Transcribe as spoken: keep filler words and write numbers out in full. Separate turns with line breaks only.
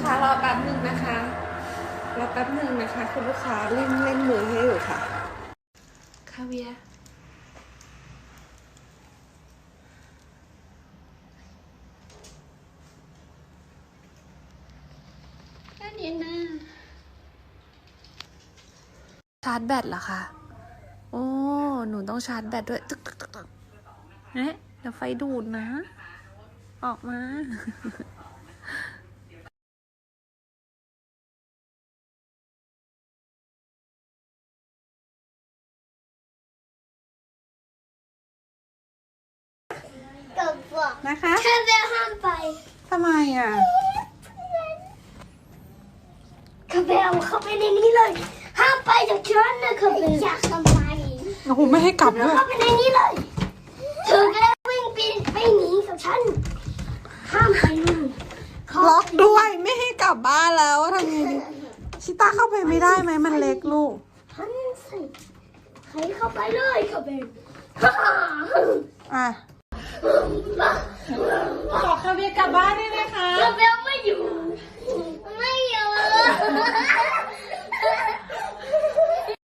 ค้ารอแป๊บหนึ่งนะคะรอแป๊บหนึ่งนะคะคุณลูกค้าเล่นเล่นมือให้อยู่ค่ะคาเวียแค่นี้นะชาร์จแบตเหรอคะโอ้หนูต้องชาร์จแบตด้วยตึกตึกตึกตึกเอ๊ะเดี๋ยวไฟดูดนะออกมานะคะ
แค่เดินห้ามไป
ทำไมอ่ะ
คาเบลเข้าไปในนี้เลยห้ามไปจากฉันนะคาเบลอยากทำไม
โอ้โหไม่ให้กลับด้วย
เข้าไปในนี้เลยเธอก็ได้วิ่งปีนไปหนีกับฉันห้ามไปนู่น
ล็อกด้วยไม่ให้กลับบ้านแล้วทำไงดีชิต้าเข้าไปไม่ได้ไหมมันเล็กลูก
ฉันสิใครเข้าไปเลยคาเบล
อ่ะขอคาเวียกลับบ้านได้ไหมคะ
คาเบลไม่อยู่